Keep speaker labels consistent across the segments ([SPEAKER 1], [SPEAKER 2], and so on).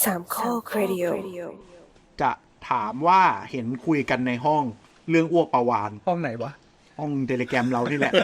[SPEAKER 1] สามข้อครดิโอ
[SPEAKER 2] จะถามว่าเห็นคุยกันในห้องเรื่องอ้วกปลาวาฬ
[SPEAKER 3] ห้องไหนวะ
[SPEAKER 2] ห้องเทเลแกรมเรานี่แหละ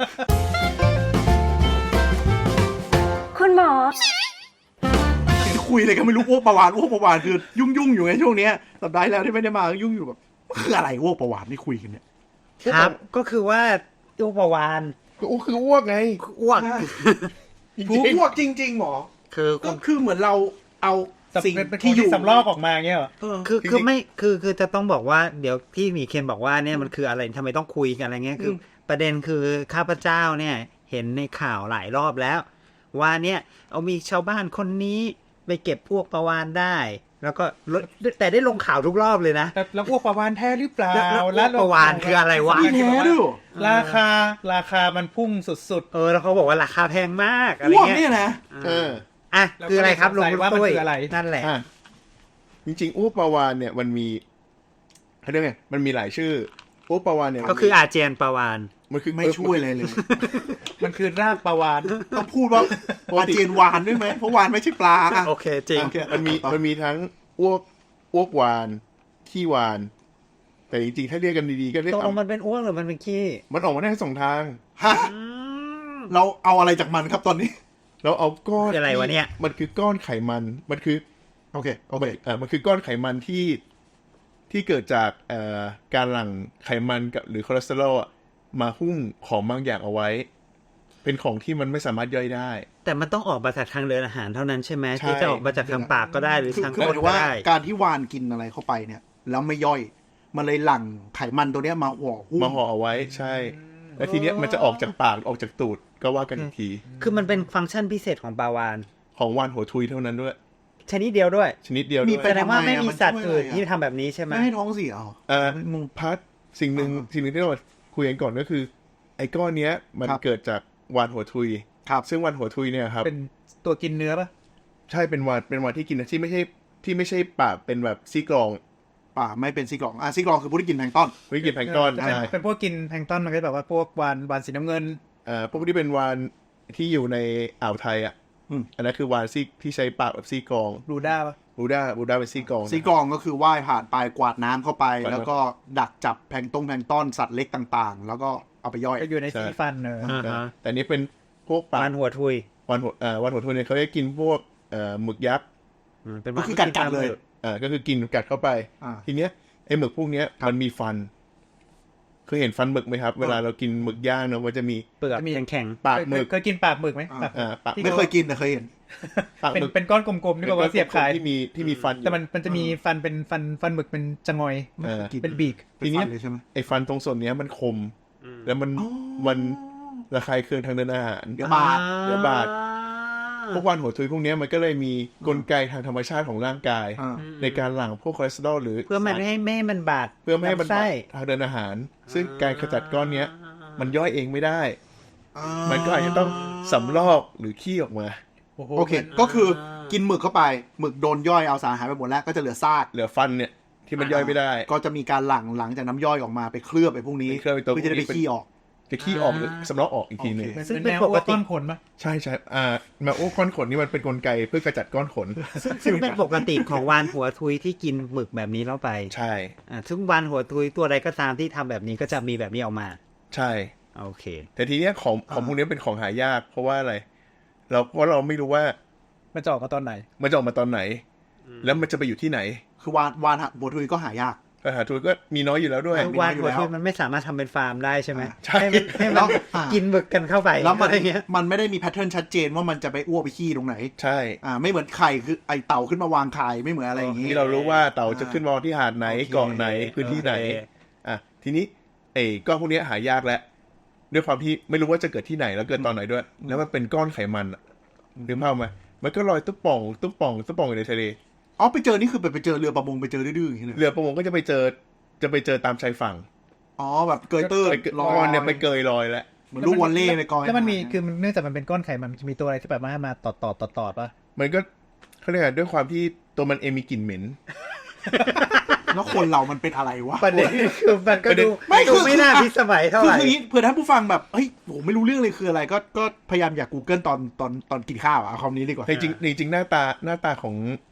[SPEAKER 1] คุณหมอ
[SPEAKER 2] เห็นคุยอะไรก็ไม่รู้อ้วกปลาวาฬคือยุ่งอยู่ไงช่วงเนี้ยสัปดาห์แล้วที่ไม่ได้มายุ่งอยู่แบบคืออะไรอ้วกปลาวาฬที่คุยกันเนี่ย
[SPEAKER 4] ครับก็คือว่าอ้วกปลาวาฬ
[SPEAKER 5] คืออ้วกไง
[SPEAKER 4] อ้วก
[SPEAKER 2] อ้วกจริงๆหมอก็คือเหมือนเราเอาสิ่งที่อยู่
[SPEAKER 3] สำลอกออกมาเงี้ยเหรอ
[SPEAKER 4] คือไม่คือจะต้องบอกว่าเดี๋ยวพี่หมีเคนบอกว่าเนี่ยมันคืออะไรทำไมต้องคุยกันอะไรเงี้ยคือประเด็นคือข้าพเจ้าเนี่ยเห็นในข่าวหลายรอบแล้วว่าเนี่ยเอามีชาวบ้านคนนี้ไปเก็บพวกปลาวาฬได้แล้วก็แต่ได้ลงข่าวทุกรอบเลยนะ
[SPEAKER 3] แล้วอ้วกปลาวาฬแท้หรือเปล่า
[SPEAKER 4] แล้วปลาวาฬคืออะไรวะ
[SPEAKER 2] แท้ด้วย
[SPEAKER 3] ราคามันพุ่งสุด
[SPEAKER 4] ๆแล้วเขาบอกว่าราคาแพงมากอะไรเงี้ย
[SPEAKER 2] เนี่ยนะ
[SPEAKER 4] คืออะไรครับลุงตุ้ยนั่นแหละ
[SPEAKER 5] จริงๆอ้วกปลาวาฬเนี่ยมันมีเขาเรียกไงมันมีหลายชื่ออ้วกปลาวาฬเนี่ย
[SPEAKER 4] ก็คืออาเจียนปลาวาฬ
[SPEAKER 5] มันคือ
[SPEAKER 2] ไม่ช่วยเลย
[SPEAKER 3] มันคือรากปลาวาฬ
[SPEAKER 2] ต้องพูดว่าอาเจียนวานด้วยไหมเพราะวานไม่ใช่ปลา
[SPEAKER 4] โอเคจริง
[SPEAKER 5] มันมีทั้งอ้วกวานขี้วานแต่จริงๆถ้าเรียกกันดีๆก็เรียก
[SPEAKER 4] มันเป็นอ้วกหรือมันเป็นขี้
[SPEAKER 5] มันออกมาได้ทั้งสองทาง
[SPEAKER 2] เราเอาอะไรจากมันครับตอนนี้
[SPEAKER 5] เราเอาก้อน
[SPEAKER 4] อะไรวะเนี่ย
[SPEAKER 5] มันคือก้อนไขมันมันคือ
[SPEAKER 2] โอเค
[SPEAKER 5] มันคือก้อนไขมันที่เกิดจากการหลั่งไขมันกับหรือคอเลสเตอรอลมาหุ้มของบางอย่างเอาไว้เป็นของที่มันไม่สามารถย่อยได้
[SPEAKER 4] แต่มันต้องออกมาจากทางเดินอาหารเท่านั้นใช่ไหมที่จะออกมาจากทางปากก็ได้หรือทางก้นก็ได้
[SPEAKER 2] การที่วานกินอะไรเข้าไปเนี่ยแล้วไม่ย่อยมันเลยหลั่งไขมันตัวเนี้ยมาห่อหุ้ม
[SPEAKER 5] มาห่อเอาไว้ใช่แล้วทีเนี้ยมันจะออกจากปากออกจากตูดก็ว่ากันอีกที
[SPEAKER 4] คือมันเป็นฟังก์ชันพิเศษของปลาวาฬ
[SPEAKER 5] ของวานหัวทุยเท่านั้นด้วย
[SPEAKER 4] ชนิดเดียวด้วย
[SPEAKER 5] มี
[SPEAKER 4] แสดงว่าไม่มีสัตว์อื่นที่ทำแบบนี้ใช่ไหม
[SPEAKER 2] ไม่ให้ท้องเสีย
[SPEAKER 5] พัดสิ่งหนึ่งที่เราคุยกันก่อนก็คือไอ้ก้อนเนี้ยมันเกิดจากวานหัวทุยซึ่งวานหัวทุยเนี่ยครับ
[SPEAKER 3] เป็นตัวกินเนื้อป่ะ
[SPEAKER 5] ใช่เป็นวานที่กินที่ไม่ใช่ปากเป็นแบบซี่กรอง
[SPEAKER 2] ป่าไม่เป็นซี่กรองซี่กรองคือพวกที่กินแพลงก์ต้น
[SPEAKER 3] เป็นพวกกินแพลงก์ต้นมันก็แบบว่าพวกวานสีน้ำเงิน
[SPEAKER 5] พวกที่เป็นวานที่อยู่ในอ่าวไทยอันนั้นคือวานที่ใช้ปากแบบซี่กรอง
[SPEAKER 3] บลูด้า
[SPEAKER 5] เป็นซี่กรอง
[SPEAKER 2] ก็คือว่ายผ่านไปกวาดน้ำเข้าไปแล้วก็ดักจับแพลงก์ต้นสัตว์เล็กต่างๆแล้วก็เอาไปย่อย
[SPEAKER 3] อยู่ในซีฟัน
[SPEAKER 5] แต่นี้เป็นพวกปาก
[SPEAKER 4] วานหัวทุยว
[SPEAKER 5] านหัวทุยเนี่ยเขาจะกินพวกหมึกยักษ์
[SPEAKER 2] ก็คือกัดเลย
[SPEAKER 5] ก็คือกินกัดเข้าไปทีเนี้ยไอ้หมึกพวกเนี้ยมันมีฟันเคยเห็นฟันหมึกไหมครับเวลาเรากินหมึกย่างเนาะมันจะมี
[SPEAKER 4] เปลือกมีแข็ง
[SPEAKER 5] ปากหมึก
[SPEAKER 3] เคยกินปากหมึกไหม
[SPEAKER 2] ไม่เคยกินแต่เคยเห็น
[SPEAKER 3] ปากหมึกเป็นก้อนกลมๆที่บอกว่าเสียบขาย
[SPEAKER 5] ที่มีฟัน
[SPEAKER 3] แต่มันจะมีฟันเป็นฟันหมึกเป็นจะงอยเป็นบีก
[SPEAKER 5] ทีนี้ไอ้ฟันตรงส่วนเนี้ยมันคมแล้วมันระคายเคืองทางเดินอาหาร
[SPEAKER 2] เดี๋ยวบาด
[SPEAKER 5] พวกวานหัวทุยพวกนี้มันก็เลยมีกลไกทางธรรมชาติของร่างกายในการหลั่งพวกคอเลสเตอรอลหรือ
[SPEAKER 4] เพื่อไม่ให้มันบาด
[SPEAKER 5] เพื่อไม่ให้มันบาดทางเดินอาหารซึ่งการขจัดก้อนนี้มันย่อยเองไม่ได้มันก็อาจจะต้องสำลอกหรือขี้ออกมา
[SPEAKER 2] โอเคก็คือกินหมึกเข้าไปหมึกโดนย่อยเอาสารอาหารไปหมดแล้วก็จะเหลือซาก
[SPEAKER 5] เหลือฟันเนี่ยที่มันย่อยไม่ได้
[SPEAKER 2] ก็จะมีการหลั่งจากน้ำย่อยออกมาไปเคลือบไปพวกนี้
[SPEAKER 5] เพื่อ
[SPEAKER 2] จะได้ไปขี้ออก
[SPEAKER 5] หรือสำลักออกอีกทีนึง
[SPEAKER 3] ซึ่งเป็นปกติก้อนขนป่ะ
[SPEAKER 5] ใช่แมวอ้วกก้อนขนนี่มันเป็นกลไกเพื่อกระจัดก้อนขน
[SPEAKER 4] ซึ่งเป็นปกติของวานหัวทุยที่กินหมึกแบบนี้เข้าไป
[SPEAKER 5] ใช่
[SPEAKER 4] ซึ่งวานหัวทุยตัวใดก็ตามที่ทำแบบนี้ก็จะมีแบบนี้ออกมา
[SPEAKER 5] ใช่
[SPEAKER 4] โอเค
[SPEAKER 5] แต่ทีเนี้ยของพวกนี้เป็นของหายากเพราะว่าอะไรเพราะเราไม่รู้ว่า
[SPEAKER 3] มันจะออกมาตอนไหน
[SPEAKER 5] แล้วมันจะไปอยู่ที่ไหน
[SPEAKER 2] คือวานหัวทุยก็หายาก
[SPEAKER 5] หาทุนก็มีน้อยอยู่แล้วด้วย
[SPEAKER 4] วานหัวทุยมันไม่สามารถทำเป็นฟาร์มได้ใช่ไหมใช่ให้มันกินหมึกกันเข้าไป
[SPEAKER 2] แล้วมันไม่ได้มีแพทเทิร์นชัดเจนว่ามันจะไปอ้วกไปขี้ตรงไหน
[SPEAKER 5] ใช่
[SPEAKER 2] ไม่เหมือนไข่คือไอเต่าขึ้นมาวางไข่ไม่เหมือนอะไรอย่างงี้
[SPEAKER 5] ที่เรารู้ว่าเต่าจะขึ้นมาที่หาดไหนเกาะไหนพื้นที่ไหนทีนี้ก้อนพวกนี้หายากแล้วด้วยความที่ไม่รู้ว่าจะเกิดที่ไหนแล้วเกิดตอนไหนด้วยแล้วมันเป็นก้อนไขมันหรือเปล่ามันก็ลอยตุ๊บป่องอยู่ในทะเล
[SPEAKER 2] ไปเจอนี่คือไปเจอเรือประมงไปเจอดื้อๆอย่างนี้เลย
[SPEAKER 5] เรือประมงก็จะไปเจอตามชายฝั่ง
[SPEAKER 2] แบบเกยตื้น
[SPEAKER 5] ลอยเนี่ยไปเกยลอยแล้ว
[SPEAKER 2] เหมือนลูกวอลเล่ไปกอย
[SPEAKER 3] แล้วมันมีคือเนื่องจากมันเป็นก้อนไขมันมีตัวอะไรที่แบบมาตอดป่ะ
[SPEAKER 5] มันก็เขาเรียกด้วยความที่ตัวมันมีกลิ่นเหม็น
[SPEAKER 2] แล้วคนเรามันเป็นอะไรวะ
[SPEAKER 4] ประเด็นคือมันก็ดูไม่น่าพิสมัยเท่าไหร่
[SPEAKER 2] คือเผื่อท่านผู้ฟังแบบเฮ้ยโหไม่รู้เรื่องเลยคืออะไรก็พยายามอยาก Google ตอนกินข้าวเอาคำนี้ดีกว่า
[SPEAKER 5] จริงหน้าตาของ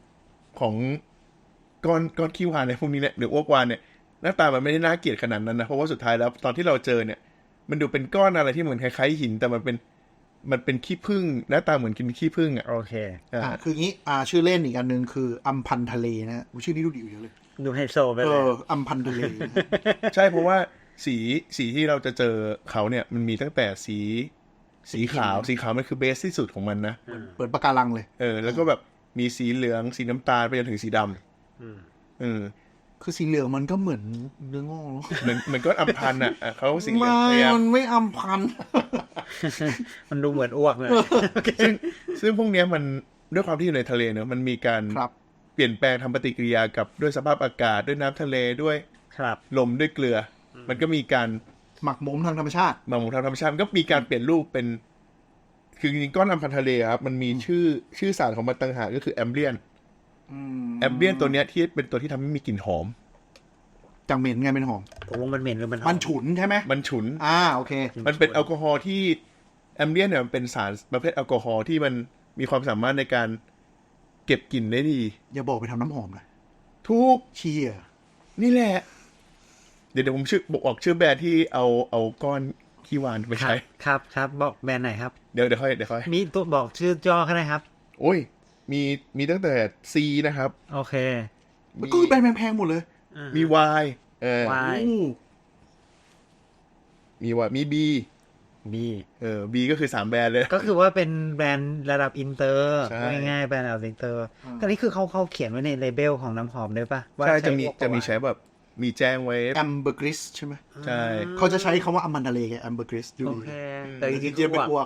[SPEAKER 5] ของก้อนขี้วานในพวกนี้เนี่ยหรืออ้วกวานเนี่ยหน้าตามันไม่ได้น่าเกลียดขนาดนั้นนะเพราะว่าสุดท้ายแล้วตอนที่เราเจอเนี่ยมันดูเป็นก้อนอะไรที่เหมือนคล้ายๆหินแต่มันเป็นขี้ผึ้งหน้าตาเหมือนกินขี้ผึ้งอ่ะ
[SPEAKER 4] โอเค
[SPEAKER 2] คืองี้ชื่อเล่นอีกอันนึงคืออัมพันธ์ทะเลนะชื่อนี้ดูดีอยู่เยอะเลย
[SPEAKER 4] ดูไฮโซไปเลย
[SPEAKER 2] อัมพันธ์ทะเลนะ
[SPEAKER 5] ใช่เพราะว่าสีที่เราจะเจอเขาเนี่ยมันมีตั้งแต่สีขาวมันคือเบสที่สุดของมันนะ
[SPEAKER 2] เปิดปะการังเลย
[SPEAKER 5] แล้วก็แบบมีสีเหลืองสีน้ำตาลไปจนถึงสีดำ
[SPEAKER 2] คือสีเหลืองมันก็เหมือนเนื้องอก
[SPEAKER 5] เหมือนก้อนอัมพันธ์อ่ะเขาสีเหลืองพยายาม
[SPEAKER 2] มันไม่อัมพันธ์
[SPEAKER 4] มันดูเหมือนอ้วกเลย
[SPEAKER 5] ซึ่งพวกเนี้ยมันด้วยความที่อยู่ในทะเลเนอะมันมีการเปลี่ยนแปลงทำปฏิกิริยากับด้วยสภาพอากาศด้วยน้ำทะเลด้วย
[SPEAKER 4] ครับ
[SPEAKER 5] ลมด้วยเกลือมันก็มีการ
[SPEAKER 2] หมักหมมทางธรรมชาติ
[SPEAKER 5] หมักหมมทางธรรมชาติมันก็มีการเปลี่ยนรูปเป็นคือจริงๆก้อนอัมพันธ์ทะเลครับมันมีชื่อสารของมันต่างหากก็คือแอมเบียนตัวเนี้ยที่เป็นตัวที่ทำให้มีกลิ่นหอม
[SPEAKER 2] จังเหม็นไงเป็นหอม
[SPEAKER 4] ผมว่ามันเหม็นหรือมันหอ
[SPEAKER 2] มันฉุนใช่ไหม
[SPEAKER 5] มันฉุน
[SPEAKER 2] โอเค
[SPEAKER 5] มันเป็นแอลกอฮอล์ที่แอมเบียนเนี่ยมันเป็นสารประเภทแอลกอฮอล์ที่มันมีความสามารถในการเก็บกลิ่นได้ดี
[SPEAKER 2] อย่าบอกไปทำน้ำหอมนะ
[SPEAKER 5] ทุก
[SPEAKER 2] เชีย
[SPEAKER 5] นี่แหละเดี๋ยวผมบอกชื่อแบรนด์ที่เอาก้อนขี้วานไปใช้
[SPEAKER 4] ครับบอกแบรนด์ไหนครับ
[SPEAKER 5] เดี๋ยวค่อย
[SPEAKER 4] มีตัวบอกชื่อย่อก็ได้ครับ
[SPEAKER 5] โอ้ยมีตั้งแต่ C นะครับ
[SPEAKER 4] โอเค
[SPEAKER 2] ก็คือแบรนด์แพงๆหมดเลย
[SPEAKER 5] มี Y
[SPEAKER 4] Y
[SPEAKER 5] มี Y มี B B ก็คือ3แบรนด์เลย
[SPEAKER 4] ก็คือว่าเป็นแบรนด์ระดับอินเตอร์
[SPEAKER 5] ใช่
[SPEAKER 4] ง่ายๆแบรนด์ระดับอินเตอร์ก็นี่คือเขาเขียนไว้ในเลเบลของน้ำหอมด้วยป่ะว่า
[SPEAKER 5] ใช่จะ
[SPEAKER 4] พ
[SPEAKER 5] มี
[SPEAKER 4] วก
[SPEAKER 5] ใช้แบบมีแจ้งไว้
[SPEAKER 2] แอมเบอร์กริสใช่ไหม
[SPEAKER 5] ใช่
[SPEAKER 2] เขาจะใช้คำว่าอัมพันธ์ทะเลไงแอมเบอร์กริสดู
[SPEAKER 4] โอ
[SPEAKER 2] ดี
[SPEAKER 4] เคแต่จริง
[SPEAKER 2] เจี๊ยบไปอ้วก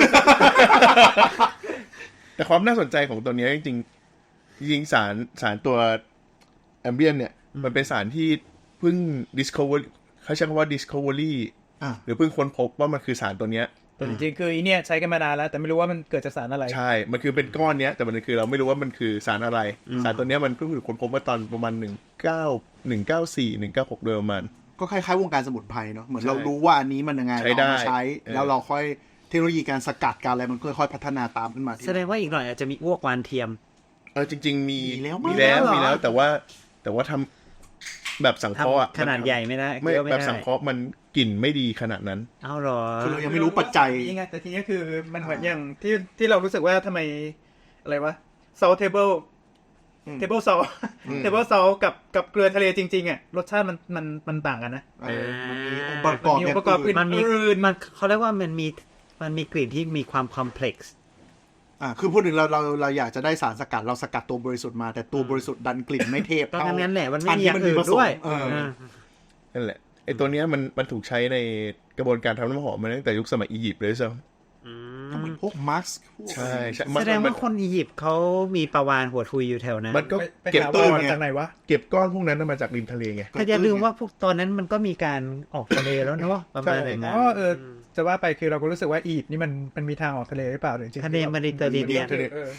[SPEAKER 5] แต่ความน่าสนใจของตัวนี้จริงสารตัวแอมเบียนเนี่ยมันเป็นสารที่เพิ่ง discover เขาใช้คำว่า discovery หรือเพิ่งค้นพบว่ามันคือสารตัวเนี้ย
[SPEAKER 3] แต่จริงๆคืออีเนี่ยใช้กันมานานแล้วแต่ไม่รู้ว่ามันเกิดจากสารอะไร
[SPEAKER 5] ใช่มันคือเป็นก้อนเนี้ยแต่มันคือเราไม่รู้ว่ามันคือสารอะไรสารตัวเนี้ยมันเพิ่งถูกค้นพบเมื่อตอนประมาณ194 196โดยประมาณ
[SPEAKER 2] ก็คล้ายๆวงการสมุนไพรเนาะเหมือน
[SPEAKER 5] ใช่
[SPEAKER 2] เรารู้ว่าอันนี้มันยังไง
[SPEAKER 5] ใช้ได้
[SPEAKER 2] เรามาใช้แล้วเราค่อยเทคโนโลยีการสกัดการอะไรมันค่อยๆพัฒนาตามขึ้นมาที
[SPEAKER 4] แสดงว่าอีกหน่อยอาจจะมีอ้วกวานเทียม
[SPEAKER 5] จริงๆมี
[SPEAKER 2] มีแล้ว
[SPEAKER 5] มีแล้วแต่ว่าทำแบบสังเคราะห์อะ
[SPEAKER 4] ขนาดใหญ่ไม่ได้
[SPEAKER 5] ไม่
[SPEAKER 4] เยอะไม่
[SPEAKER 5] แบบ
[SPEAKER 4] ได้
[SPEAKER 5] สังเคราะห์มันกลิ่นไม่ดีขนาดนั้น
[SPEAKER 4] เอาหรอ
[SPEAKER 2] คือเรายังไม่รู้ปัจจัย
[SPEAKER 3] ยังไงแต่ทีนี้คือมันเหมือนอย่างที่เรารู้สึกว่าทำไมอะไรวะ salt table salt table salt กับเกลือทะเลจริงๆอ่ะรสชาติมันต่างกันนะ
[SPEAKER 2] มันมีองค์ประกอบ
[SPEAKER 3] มี
[SPEAKER 2] อ
[SPEAKER 3] อง
[SPEAKER 2] ย่าง
[SPEAKER 3] ค์ประกอบ
[SPEAKER 2] อื่น
[SPEAKER 4] มันมี
[SPEAKER 3] อื่น
[SPEAKER 4] มันเขาเรียกว่ามันมีกลิ่นที่มีความคอมเพล็กซ์
[SPEAKER 2] คือพูดถึงเราอยากจะได้สารสกัดเราสกัดตัวบริสุทธิ์มาแต่ตัวบริสุทธิ์ดันกลิ่นไม่เทพ
[SPEAKER 4] ก็
[SPEAKER 2] เท่า
[SPEAKER 4] งั้นแหละมันไม่มีอย่างอื่น
[SPEAKER 2] ผสม
[SPEAKER 4] ด้วย
[SPEAKER 5] นั่นแหละไอ้ตัวเนี้ยมันถูกใช้ในกระบวนการทำน้ำหอมมาตั้งแต่ยุคสมัยอียิปต์เลยใช่ไหม
[SPEAKER 2] ก็เหมือนพวกมาร์ก
[SPEAKER 5] ใช่
[SPEAKER 4] แสดงว่าคนอียิปต์เขามีปลาวาฬหัวทุยอยู่แถวนั้น
[SPEAKER 5] มันก็
[SPEAKER 3] ไป
[SPEAKER 5] เก็บ
[SPEAKER 3] หา
[SPEAKER 5] ก้อ
[SPEAKER 3] ว่าน มาจากไหนวะ
[SPEAKER 5] เก็บก้อนพวกนั้นมาจากริมทะเลไง
[SPEAKER 4] แต่อย่าลืมว่าพวกตอนนั้นมันก็มีการออกทะเลแล้วเนาะประมาณอย่างนั้น
[SPEAKER 3] จะว่าไปคือเราก็รู้สึกว่าอียิปต์นี่มันมีทางออกทะเลหรือเปล่าหรือจริงๆ
[SPEAKER 4] ทะเลเมดิเตอร์เรเนียน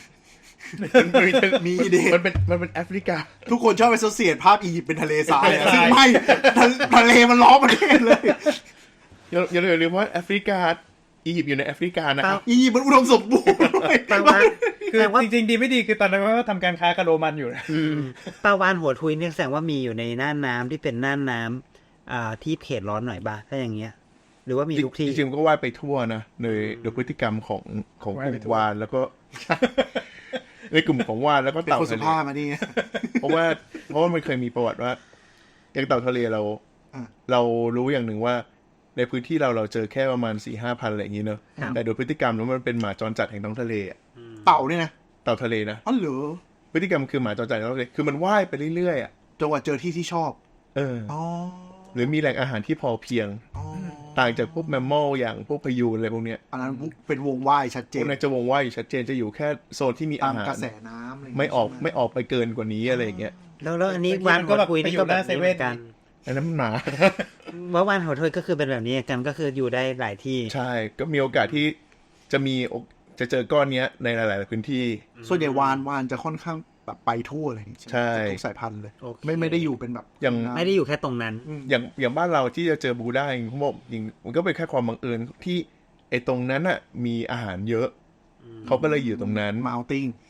[SPEAKER 2] มีเด
[SPEAKER 5] มันเป็นแอฟริกา
[SPEAKER 2] ทุกคนชอบไปโซเซียตภาพอียิปต์เป็นทะเลทรายซึ่งไม่ทะเลมันล้อมประเทศเลย
[SPEAKER 5] อย่าลืมว่าแอฟริกาอียิปต์อยู่ในแอฟริกานะครับ
[SPEAKER 2] อียิปต์มันอุดมสมบูรณ์ด้วย
[SPEAKER 4] ปลาวาฬ
[SPEAKER 3] คือจริงๆดีไม่ดีคือตอนนั้นก็ทำการค้ากับโรมันอยู่นะ
[SPEAKER 4] ปลาวาฬหัวทุยเนี่ยแสดงว่ามีอยู่ในน่านน้ำที่เป็นน่านน้ำที่เขตร้อนหน่อยบ้างถ้าอย่างเงี้ยหรือว่ามีทุกที่
[SPEAKER 5] จริงๆก็ว่ายไปทั่วนะโดยพฤติกรรมของกลุ่มวานแล้วก็ ในกลุ่มของวานแล้วก็
[SPEAKER 2] เป็น
[SPEAKER 5] เต่า
[SPEAKER 2] คนสุ
[SPEAKER 5] ทะเล
[SPEAKER 2] ภาพมาดิ
[SPEAKER 5] เพราะว่ามันเคยมีประวัติว่าอย่างเต่าทะเลเรารู้อย่างหนึ่งว่าในพื้นที่เราเจอแค่ประมาณ 4-5 พันอะไรอย่างนี้เนอะแต่โดยพฤติกรรมแล้วมันเป็นหมาจรจัดแห่งท้องทะเลอะ
[SPEAKER 2] เต่าเนี่ยนะ
[SPEAKER 5] เต่าทะเลนะ
[SPEAKER 2] อ๋อเหรอ
[SPEAKER 5] พฤติกรรมคือหมาจรจัดแห่งท้องทะเลคือมันว่ายไปเรื่อยๆอ่ะ
[SPEAKER 2] จนกว่าเจอที่ที่ชอบ อ๋อ
[SPEAKER 5] หรือมีแหล่งอาหารที่พอเพียง
[SPEAKER 2] อ๋อ
[SPEAKER 5] ต่างจากพวกแมมมอลอย่างพวกพยูนอะไรพวกเนี้ย
[SPEAKER 2] อันนั้นเป็นวงว่ายชัดเจ
[SPEAKER 5] พวน กนั้นจะวงว่ายอยู่ชัดเจนจะอยู่แค่โซนที่มี
[SPEAKER 2] ตา
[SPEAKER 5] อาม หาร
[SPEAKER 2] กระแสน้ำอะไรอย่าง
[SPEAKER 5] ไม่
[SPEAKER 2] เงี้ย
[SPEAKER 5] ไม่ออกไปเกินกว่านี้อะไรอย่างเงี้ย
[SPEAKER 4] แล้วอันนี้
[SPEAKER 3] บางที
[SPEAKER 4] วาน
[SPEAKER 3] มันก็
[SPEAKER 4] หัว
[SPEAKER 3] แบบ
[SPEAKER 4] ทุยนี่ก็แบบนี้เหมือนกัน
[SPEAKER 5] อันนั้นมันหมา
[SPEAKER 4] ว่าวานหัวทุยก็คือเป็นแบบนี้กันก็คืออยู่ได้หลายที่
[SPEAKER 5] ใช่ก็มีโอกาสที่จะเจอก้อนเนี้ยในหลายๆพื้นที่
[SPEAKER 2] ส่วนใหญ่วานจะค่อนข้างแบบไปทั่วเลยจริงๆ
[SPEAKER 5] ใช่
[SPEAKER 2] ทุกสายพันธุ์เลย
[SPEAKER 4] โอเค
[SPEAKER 2] ไม่ได้อยู่เป็นแบบ
[SPEAKER 5] อย่าง
[SPEAKER 4] ไม่ได้อยู่แค่ตรงนั้น
[SPEAKER 5] อย่างบ้านเราที่จะเจอบูได้จริงผมบอกจริงมันก็เป็นแค่ความบังเอิญที่ไอ้ตรงนั้นน่ะมีอาหารเยอะเขาก็เลยอยู่ตรงนั้น
[SPEAKER 2] มาเอาติ้ง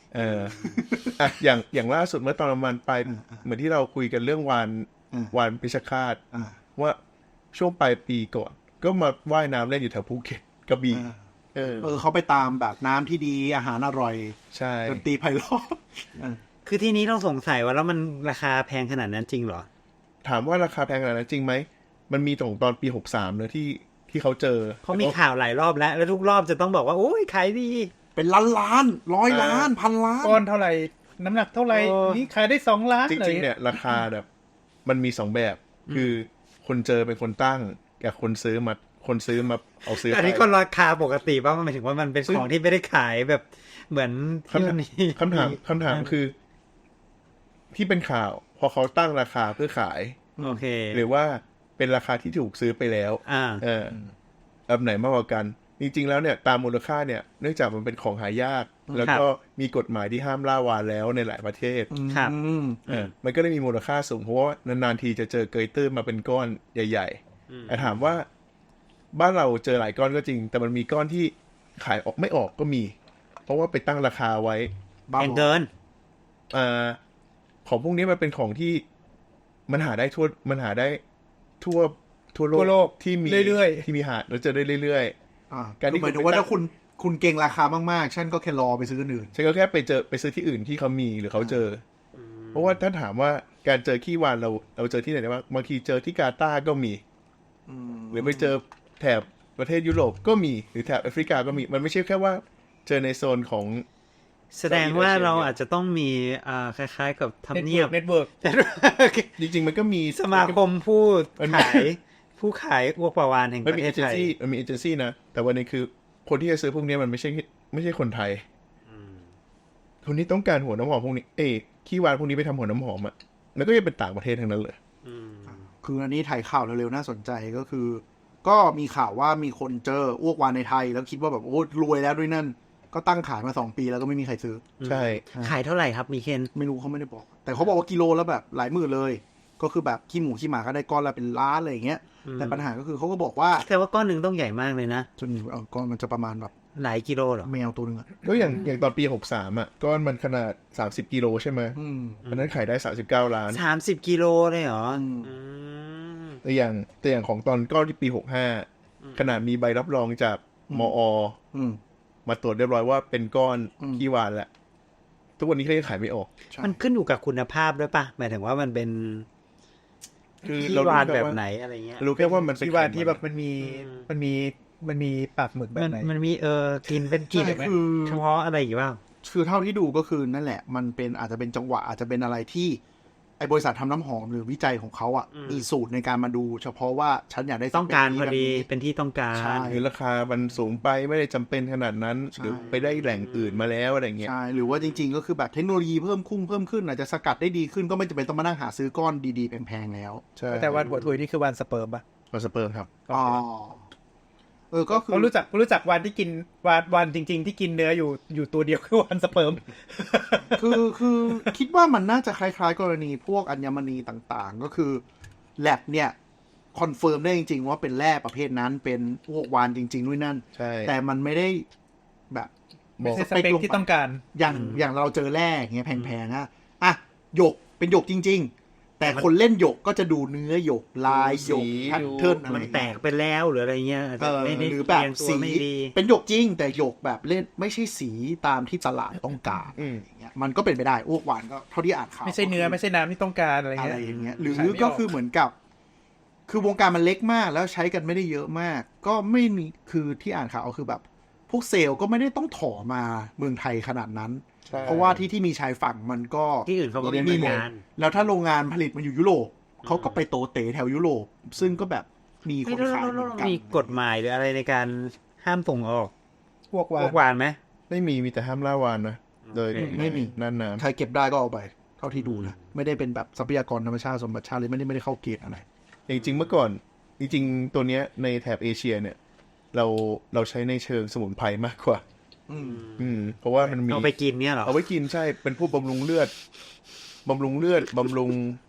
[SPEAKER 5] อย่างล่าสุดเมื่อตอนประมาณปลายเหมือนที่เราคุยกันเรื่องวานพิชคาตว่าช่วงปลายปีก่อนก็มาว่ายน้ำเล่นอยู่แถวภูเก็ตกระบี่
[SPEAKER 2] เขาไปตามแบบน้ำที่ดีอาหารอร่อย
[SPEAKER 5] ใช่
[SPEAKER 2] ดนตรีไพเราะ
[SPEAKER 4] คือที่นี้ต้องสงสัยว่าแล้วมันราคาแพงขนาดนั้นจริงเหรอ
[SPEAKER 5] ถามว่าราคาแพงขนาดนั้นจริงไหมมันมีตอนปี63เนอะที่เขาเจอ
[SPEAKER 4] เขามีข่าวหลายรอบแล้วทุกรอบจะต้องบอกว่าโอ้ยขายดี
[SPEAKER 2] เป็นล้าน100 ล้านพันล้าน
[SPEAKER 3] ก้อนเท่าไหร่น้ำหนักเท่าไหร่นี่ขายได้2 ล้าน
[SPEAKER 5] จริงๆเนี่ยราคาแบบมันมี2แบบคือคนเจอเป็นคนตั้งกับคนซื้อมาเอาซื้อ
[SPEAKER 4] อันนี้ก็ราคาปกติป่ะมันหมายถึงว่ามันเป็นของที่ไม่ได้ขายแบบเหมือน
[SPEAKER 5] คำถามคือที่เป็นข่าวพอเขาตั้งราคาเพื่อขาย
[SPEAKER 4] โอเค
[SPEAKER 5] หรือว่าเป็นราคาที่ถูกซื้อไปแล้วแบบไหนมากกว่ากันจริงๆแล้วเนี่ยตามมูลค่าเนี่ยเนื่องจากมันเป็นของหายากแล้วก็มีกฎหมายที่ห้ามล่าวาฬแล้วในหลายประเทศ
[SPEAKER 4] ครับ
[SPEAKER 5] มันก็เลยมีมูลค่าสูงเพราะว่านานๆทีจะเจอเกยตื้นมาเป็นก้อนใหญ่ๆแต่ถามว่าบ้านเราเจอหลายก้อนก็จริงแต่มันมีก้อนที่ขายออกไม่ออกก็มีเพราะว่าไปตั้งราคาไว้
[SPEAKER 4] แพงเกิน
[SPEAKER 5] ของพวกนี้มันเป็นของที่มันหาได้ทั่วโลกที่มี
[SPEAKER 3] เรื่อย
[SPEAKER 5] ๆที่มีหาแล้วเจอได้เรื่อย
[SPEAKER 2] ๆการที่หมายถึงว่าถ้าคุณเก่งราคามากๆฉันก็แค่รอไปซื้ออื่น
[SPEAKER 5] ฉันก็แค่ไปซื้อที่อื่นที่เขามีหรือเขาเจอเพราะว่าถ้าถามว่าการเจอขี้วานเราเจอที่ไหนได้บ้างบางทีเจอที่กาตาร์ก็มีหรือไปเจอแถบประเทศยุโรปก็มีหรือแถบแอฟริกาก็มีมันไม่ใช่แค่ว่าเจอในโซนของ
[SPEAKER 4] แสดงว่าเราอาจจะต้องมีคล้ายๆกับทำเนียบ
[SPEAKER 3] เน็ตเวิร์ก
[SPEAKER 5] จริงๆมันก็มี
[SPEAKER 4] สมาคมผู้ขายอ้วกปลาวาฬแห่งประเทศไทย
[SPEAKER 5] มันมีเอเจนซี่นะแต่วันนี้คือคนที่จะซื้อพวกนี้มันไม่ใช่คนไทยคนที่ต้องการหัวน้ำหอมพวกนี้ขี้วานพวกนี้ไปทำหัวน้ำหอมอ่ะแล้วก็จะเป็นต่างประเทศทั้งนั้นเลย
[SPEAKER 2] คืออันนี้ถ่ายข่าวเร็วๆน่าสนใจก็คือก็มีข่าวว่ามีคนเจออ้วกวานในไทยแล้วคิดว่าแบบโอ้รวยแล้วด้วยนั่นก็ตั้งขายมา2 ปีแล้วก็ไม่มีใครซื้อ
[SPEAKER 5] ใช่
[SPEAKER 4] ขายเท่าไหร่ครับมีเคน
[SPEAKER 2] ไม่รู้เขาไม่ได้บอกแต่เขาบอกว่ากิโลแล้วแบบหลายหมื่นเลยก็คือแบบขี้หมูขี้หมาก็ได้ก้อนละเป็นล้านอะไรอย่างเงี้ยแต่ปัญหาก็คือเขาก็บอกว่า
[SPEAKER 4] แต่ว่าก้อนนึงต้องใหญ่มากเลยนะ
[SPEAKER 2] จนก้อนมันจะประมาณแบบ
[SPEAKER 4] หลายกิโลเหรอ
[SPEAKER 2] แมวตัวนึง
[SPEAKER 5] ก็อย่างตอนปี63อ่ะก้อนมันขนาด30 กิโลใช่ไหมอันนั้นขายได้39 ล้าน
[SPEAKER 4] 30 กิโลเลยเหรอ
[SPEAKER 5] แต่อย่างของตอนก้อนที่ปี65ขนาดมีใบรับรองจากมอ.มาตรวจเรียบร้อยว่าเป็นก้อนขี้วานแหละทุกวันนี้เขายังขายไม่ออก
[SPEAKER 4] มันขึ้นอยู่กับคุณภาพด้วยป่ะหมายถึงว่ามันเป็น
[SPEAKER 5] คือ
[SPEAKER 4] ขี้วานแบบไหนอะไรเงี้ย
[SPEAKER 5] รู้แค่ว่ามัน
[SPEAKER 3] ขี้วานที่แบบมันมีปากหมึกแบบไหน
[SPEAKER 4] มันมีกินเป็นกลิ่นเฉพาะอะไรอยู่บ้าง
[SPEAKER 2] คือเท่าที่ดูก็คือนั่นแหละมันเป็นอาจจะเป็นจังหวะอาจจะเป็นอะไรที่ไอ้บริษัททำน้ำหอมหรือวิจัยของเขาอ่ะมีสูตรในการมาดูเฉพาะว่าฉันอยากได้
[SPEAKER 4] ต้องการพอดีเป็นที่ต้องการ
[SPEAKER 5] หรือราคามันสูงไปไม่ได้จำเป็นขนาดนั้นหรือไปได้แหล่งอื่นมาแล้วอะไรเงี้ย
[SPEAKER 2] ใช่หรือว่าจริงๆก็คือแบบเทคโนโลยีเพิ่มขึ้นอาจจะสกัดได้ดีขึ้นก็ไม่จำเป็นต้องมานั่งหาซื้อก้อนดีๆแพงๆแล้ว
[SPEAKER 3] ใช่แต่วันหัวถุยนี่คือวันสเปิร์มป่ะ
[SPEAKER 5] วันสเปิร์มครับ
[SPEAKER 2] ก็คือ
[SPEAKER 3] รู้จักวันที่กินวันจริงๆที่กินเนื้ออยู่ตัวเดียวคือวันสเปิร์ม
[SPEAKER 2] คือคิดว่ามันน่าจะคล้ายๆกรณีพวกอัญมณีต่างๆก็คือแลบเนี่ยคอนเฟิร์มได้จริงๆว่าเป็นแร่ประเภทนั้นเป็นพวกวานจริงๆด้วยนั่นแต่มันไม่ได้แบบ
[SPEAKER 3] สเปคที่ต้องการ
[SPEAKER 2] อย่างเราเจอแร่เงี้ยแพงๆอ่ะหยกเป็นหยกจริงๆแต่คนเล่นหยกก็จะดูเนื้อหยกลายหยกแพทเทิร์นอะไร
[SPEAKER 4] มันแตกไปแล้วหรืออะไรเงี้ย
[SPEAKER 2] หรือแบบสีเป็นหยกจริงแต่หยกแบบเล่นไม่ใช่สีตามที่ตลาดต้องการอย่างเงี้ยมันก็เป็นไปได้อ้วกวานก็เท่าที่อ่านข่าว
[SPEAKER 3] ไม่ใช่เนื้อไม่ใช่น้ำที่ต้องการอะไร
[SPEAKER 2] เงี้ยหรือก็คือเหมือนกับคือวงการมันเล็กมากแล้วใช้กันไม่ได้เยอะมากก็ไม่มีคือที่อ่านข่าวคือแบบพวกเซลล์ก็ไม่ได้ต้องถอมาเมืองไทยขนาดนั้นเพราะว่าที่มีชายฝั่งมันก็
[SPEAKER 4] ที่อื่นเขาก็มีงาน
[SPEAKER 2] แล้วถ้าโรงงานผลิตมันอยู่ยุโรปเขาก็ไปโตเต๋แถวยุโรปซึ่งก็แบบมีคนขายเหมือนกัน
[SPEAKER 4] มีกฎหมายหรืออะไรในการห้ามส่งออก
[SPEAKER 3] พวก
[SPEAKER 4] วานไหม
[SPEAKER 5] ไม่มีแต่ห้ามล่าวานนะโดย
[SPEAKER 2] ไม่มี
[SPEAKER 5] นั่นนะ
[SPEAKER 2] ใครเก็บได้ก็เอาไปเท่าที่ดูนะไม่ได้เป็นแบบทรัพยากรธรรมชาติสมบัติชาติเลยไม่ได้เข้าเกณฑ์อะไร
[SPEAKER 5] จริงๆเมื่อก่อนจริงๆตัวเนี้ยในแถบเอเชียเนี่ยเราใช้ในเชิงสมุนไพรมากกว่าเพราะว่ามันมี
[SPEAKER 4] เอาไปกินเนี่ยหรอ
[SPEAKER 5] เอาไว้กินใช่เป็นพวกบำรุงเลือดบำรุง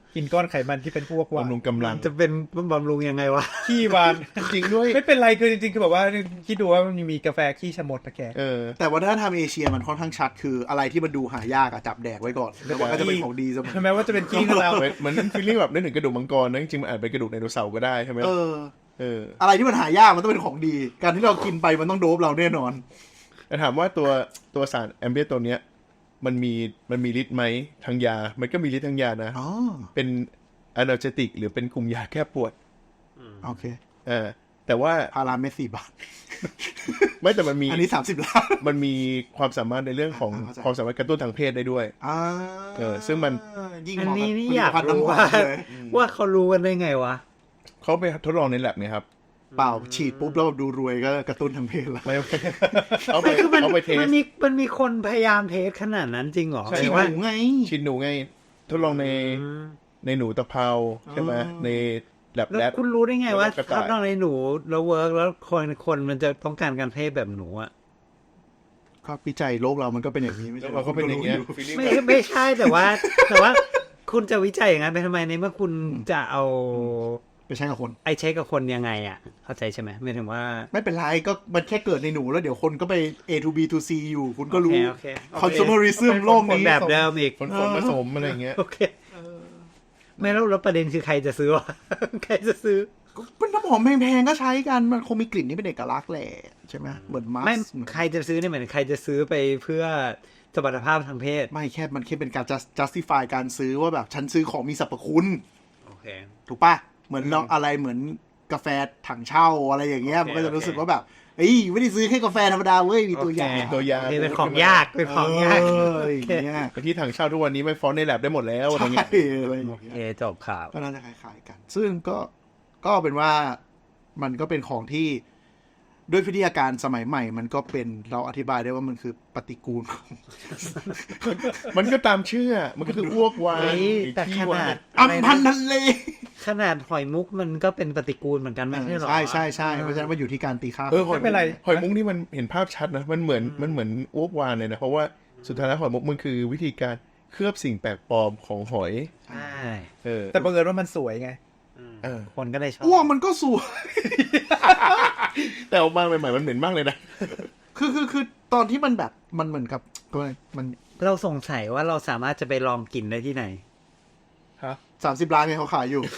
[SPEAKER 3] กินก้อนไขมันที่เป็นพวกวาน
[SPEAKER 5] บำรุงกำลัง
[SPEAKER 4] จะเป็นบำรุงยังไงวะ
[SPEAKER 3] ขี้วาน
[SPEAKER 5] จริงด้วย
[SPEAKER 3] ไม่เป็นไรคือจริงๆคือแบบว่าคิดดูว่ามันมีกาแฟขี้ชะมดตะแก
[SPEAKER 2] แต่วัฒนธรรมเอเชียมันค่อนข้างชัดคืออะไรที่มันดูหายากอะจับแดกไว้ก่อนแล้วมันก็จะเป็นของดีเสมอ
[SPEAKER 3] ใช่ไหมว่าจะเป็นขี้ก็แล้ว
[SPEAKER 5] เหมือนฟีลลิ่งแบบนึกถึงกระดูกมังกรนะจริงๆมันอาจเป็นกระดูกไดโนเสาร์ก็ได้ใช่ไหม
[SPEAKER 2] อะไรที่มันหายากมันต้องเป็นของดี การที่เรากินไปมันต้องโดบเราแน่นอน
[SPEAKER 5] แต่ถามว่าตัวสารแอมเบียตัวเนี้ยมันมีฤทธิ์ไหมทางยา มันก็มีฤทธิ์ทางยานะ
[SPEAKER 2] อ๋อ
[SPEAKER 5] เป็นanalgesic หรือเป็นกลุ่มยาแก้ปวด
[SPEAKER 2] โอเค
[SPEAKER 5] แต่ว่า
[SPEAKER 2] พาราเมด4 บาท
[SPEAKER 5] ไม่แต่มันมี
[SPEAKER 2] อันนี้30 ล้าน
[SPEAKER 5] มันมีความสามารถในเรื่องของ
[SPEAKER 2] เข้าใจ
[SPEAKER 5] ความสามารถกระตุ้นทางเพศได้ด้วย ซึ่งมัน
[SPEAKER 2] ยิ่ง
[SPEAKER 4] อัน
[SPEAKER 2] เหมาะ
[SPEAKER 4] นี้
[SPEAKER 2] กับ
[SPEAKER 4] นี่
[SPEAKER 2] ผลิ
[SPEAKER 4] อ
[SPEAKER 2] ต
[SPEAKER 4] ยาก
[SPEAKER 2] ภัณฑ์
[SPEAKER 4] รู้
[SPEAKER 2] น้ำหอ
[SPEAKER 4] ว่าม
[SPEAKER 2] เลย
[SPEAKER 4] ว่าเขารู้กันได้ไงวะ
[SPEAKER 5] เขาไปทดลองในแลบไงครับ
[SPEAKER 2] เปล่าฉีดปุ๊บแล้วแบบดูรวยก็กระตุ้นทางเพศแล้ว
[SPEAKER 5] ไม่ เอาไป
[SPEAKER 4] คือมัน
[SPEAKER 5] เอาไปเทส
[SPEAKER 4] มันมีคนพยายามเทสขนาดนั้นจริงเหรอ
[SPEAKER 5] ใช่
[SPEAKER 2] ฉีด
[SPEAKER 4] ว่า
[SPEAKER 2] หนูไง
[SPEAKER 5] ชินหนูไงทดลองในหนูตะเภาใช่ไหมในแลบ
[SPEAKER 4] แล้วคุณรู้ได้ไงว่า
[SPEAKER 5] แล้วกระต่าย
[SPEAKER 4] ถ้าต้องในหนูแล้วเวิร์กแล้วคนมันจะต้องการการเพศแบบหนูอะ
[SPEAKER 2] ก็วิจัยโลกเรามันก็เป็นอย่างนี้ไม่ใช่
[SPEAKER 5] เราก็เป็นอย่างเงี้ย
[SPEAKER 4] ไม่ใช่แต่ว่าคุณจะวิจัยอย่างนั้นไปทำไมในเมื่อคุณจะเอา
[SPEAKER 2] ไปใช้กับคน
[SPEAKER 4] ไอเช็คกับคนยังไงอะเข้าใจใช่ไหมไม่ถึงว่า
[SPEAKER 2] ไม่เป็นไรก็มันแค่เกิดในหนูแล้วเดี๋ยวคนก็ไป A to B to C อยู่ คุณก็รู้
[SPEAKER 4] โอเค
[SPEAKER 2] consumerism โลกนี้
[SPEAKER 4] แบบเดิมอีก
[SPEAKER 5] ฝนผสมอะไรอย่างเงี้ย
[SPEAKER 4] โอเคไม่แล้วประเด็นคือใครจะซื้อวะ ใครจะซื้อ
[SPEAKER 2] เป็นน้ำหอมแพงๆก็ใช้กันมันคงมีกลิ่นที่เป็นเอกลักษณ์แหละใช่ไหมเหมือนมาส
[SPEAKER 4] ไม่ใครจะซื้อเนี่ยเหมือนใครจะซื้อไปเพื่อสมรรถภาพทางเพศ
[SPEAKER 2] ไม่แค่มันแค่เป็นการ justify การซื้อว่าแบบฉันซื้อของมีสรรพคุณ
[SPEAKER 4] โอเค
[SPEAKER 2] ถูกปะเหมือนเราอะไรเหมือนกาแฟถังเช่าอะไรอย่างเงี้ย
[SPEAKER 4] โอเค
[SPEAKER 2] มันก็จะรู้สึกว่าแบบเอ้ยไม่ได้ซื้อแค่กาแฟธรรมดาเว้ยมีตัวอย่าง
[SPEAKER 4] โอเค
[SPEAKER 5] ตัวยา
[SPEAKER 4] โอเคเป็นของยากเป็นของยาก
[SPEAKER 2] อย่างเงี้ย
[SPEAKER 5] แต่ที่ถังเช่าทุกวันนี้ไม่ฟ้อนในแลบได้หมดแล้วอะไร
[SPEAKER 2] ใช่
[SPEAKER 5] เงี้ย
[SPEAKER 2] อะไรอย่าง
[SPEAKER 4] โอ
[SPEAKER 2] เงี้ย
[SPEAKER 4] เคจบข่าว
[SPEAKER 2] ก็น่าจะคล้ายๆกัน ซึ่งก็เป็นว่ามันก็เป็นของที่ด้วยวิทยาการสมัยใหม่ มันก็เป็นเราอธิบายได้ว่ามันคือปฏิกูลของ
[SPEAKER 5] มันก็ตามชื่อมันก็คืออ้วกวาน
[SPEAKER 4] เฮ้ยแต่
[SPEAKER 5] ขี้
[SPEAKER 4] ข
[SPEAKER 5] วา
[SPEAKER 4] นาด
[SPEAKER 5] น
[SPEAKER 2] อัมพันธ์ทะเล
[SPEAKER 4] ขนาดหอยมุกมันก็เป็นปฏิกูลเหมือนกันไม่ใช่หรอ
[SPEAKER 2] ใช่ใช่ใช่เพราะฉะนั้นมันอยู่ที่การตีค่า
[SPEAKER 5] หอย
[SPEAKER 3] ไม่เป็นไร
[SPEAKER 5] หอยมุกนี่มันเห็นภาพชัดนะมันเหมือนอ้วกวานเลยนะเพราะว่าสุดท้ายแล้วหอยมุกมันคือวิธีการเคลือบสิ่งแปลกปลอมของหอย
[SPEAKER 4] ใช่
[SPEAKER 3] แต่บังเอิญว่ามันสวยไง
[SPEAKER 4] คนก็เลยชอบ
[SPEAKER 2] อ้วกมันก็สวย
[SPEAKER 5] แต่ออกมาใหม่ๆมันเหม็นมากเลยนะ
[SPEAKER 2] คือตอนที่มันแบบมันเหมือนกับมัน
[SPEAKER 4] เราสงสัยว่าเราสามารถจะไปลองกินได้ที่ไหน
[SPEAKER 2] 30 ล้านไงเขาขายอยู่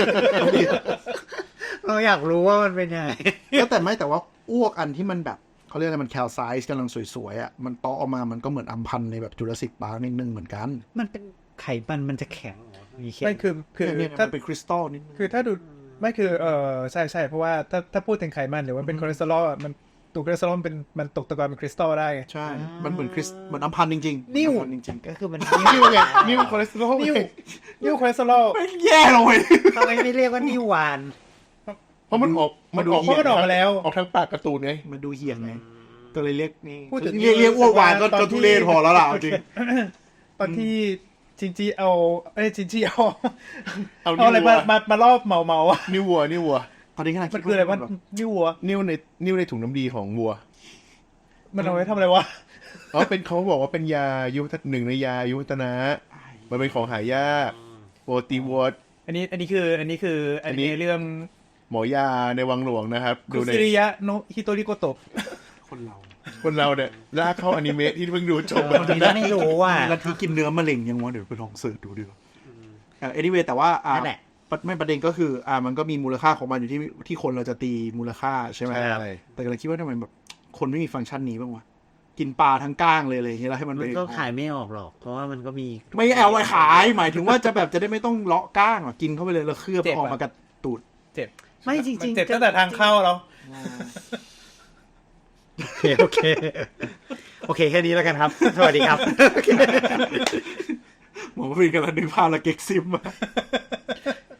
[SPEAKER 4] เราอยากรู้ว่ามันเป็นยังไง
[SPEAKER 2] ก็แต่ว่าอ้วกอันที่มันแบบเขาเรียกอะไรมันแคลไซส์กำลังสวยๆอ่ะมันตอออกมามันก็เหมือนอัมพันธ์ในแบบจุลศิลป์ปาร์คนิดนึงเหมือนกัน
[SPEAKER 4] มันเป็นไขมันจะแข็งเหรอมีแข็ง
[SPEAKER 3] ไม่คือ
[SPEAKER 2] เนี่ย
[SPEAKER 3] ถ้า
[SPEAKER 2] มันเป็นคริสตัลนิดนึง
[SPEAKER 3] คือถ้าดูไม่คือใช่เพราะว่าถ้าพูดถึงไขมันหรือว่าเป็นคอเลสเตอรอลมันตัวคอเลสเตอรอลมันตกตะกอนเป็นคริสตัลได้ไง
[SPEAKER 2] ใช่ มันเหมือนเหมือนอัมพันธ์จริงๆ
[SPEAKER 3] นิ่ว
[SPEAKER 2] อัมพันธ์จริง
[SPEAKER 4] ก็คือมัน
[SPEAKER 5] นิ้วไงนิ้วคอเลสเตอรอล
[SPEAKER 3] นิ้วคอเลสเตอรอล
[SPEAKER 2] ๆไม่แย่เลย
[SPEAKER 4] ทำไมไม่เรียกว่านิวาน
[SPEAKER 5] เพราะมันออก
[SPEAKER 3] เพราะมันออกมาแล้ว
[SPEAKER 5] ออกทางปากการ์ตูนไง
[SPEAKER 2] มันดูเหี้ยงไงก็เลยเรียกนี่
[SPEAKER 3] พูดถึง
[SPEAKER 2] เรียกอ้วกวานก็
[SPEAKER 3] ตอนที่
[SPEAKER 2] ทุเรศพอแล้วล่ะเอาจริง
[SPEAKER 3] ตอนที่จินจีเอาจินจีเอา
[SPEAKER 5] เอา
[SPEAKER 3] เอาอะไร
[SPEAKER 5] นิ้ววัว
[SPEAKER 3] มารอบเมาอะ
[SPEAKER 5] นิ้ววัว
[SPEAKER 2] ตอนนี้ขนาด
[SPEAKER 3] มันคืออะไรวะนิ้ววัว
[SPEAKER 5] นิ้วในถุงน้ำดีของวัว
[SPEAKER 3] มันเอาไว้ทำอะไรวะ
[SPEAKER 5] อ๋อเป็นเขาบอกว่าเป็นยาหนึ่งในยายุวัฒนะมันเป็นของหายากโปรตีวอต
[SPEAKER 3] อันนี้คืออันนี้เรื่อง
[SPEAKER 5] หมอยาในวังหลวงนะครับ
[SPEAKER 3] คุ
[SPEAKER 5] ดูใน
[SPEAKER 3] ซิริยะโนฮิโตริโกโตะ
[SPEAKER 2] คนเรา
[SPEAKER 5] คนเราเนี่ยลากเข้าอนิเมะที่เพิ่งดูจบ
[SPEAKER 4] บางทีเราไม่รู้ว่า
[SPEAKER 2] แล้วที่กินเนื้อมะเร็งยังวะเดี๋ยวไปลองเสิร์ชดูดีกว่าanyway แต่ว่า
[SPEAKER 4] นั่นแหละ
[SPEAKER 2] ไม่ประเด็นก็คือมันก็มีมูลค่าของมันอยู่ที่คนเราจะตีมูลค่าใช่ไหม
[SPEAKER 5] ใช่
[SPEAKER 2] แต่กำลังคิดว่าทำไมแบบคนไม่มีฟังก์ชันนี้บ้างวะกินปลาทั้งก้างเลยอะไรอย่างเงี้ยแล้วให้มัน
[SPEAKER 4] มัน
[SPEAKER 2] ไป
[SPEAKER 4] ก็ขายไม่ออกหรอก เพราะว่ามันก็มี
[SPEAKER 2] ไม่เอาไว้ขายหมายถึงว่าจะแบบจะได้ไม่ต้องเลาะก้างกินเข้าไปเลยแล้วเคลือบออกมากับตูด
[SPEAKER 3] เจ็บ
[SPEAKER 4] ไม่จริงๆ
[SPEAKER 3] เจ็บตั้งแต่ทางเข้าเรา
[SPEAKER 4] โอเคแค่นี้แล้วกันครับ สวัสดีครับ
[SPEAKER 2] หมอฟินกำลังนึกภาพละเก็กซิมมา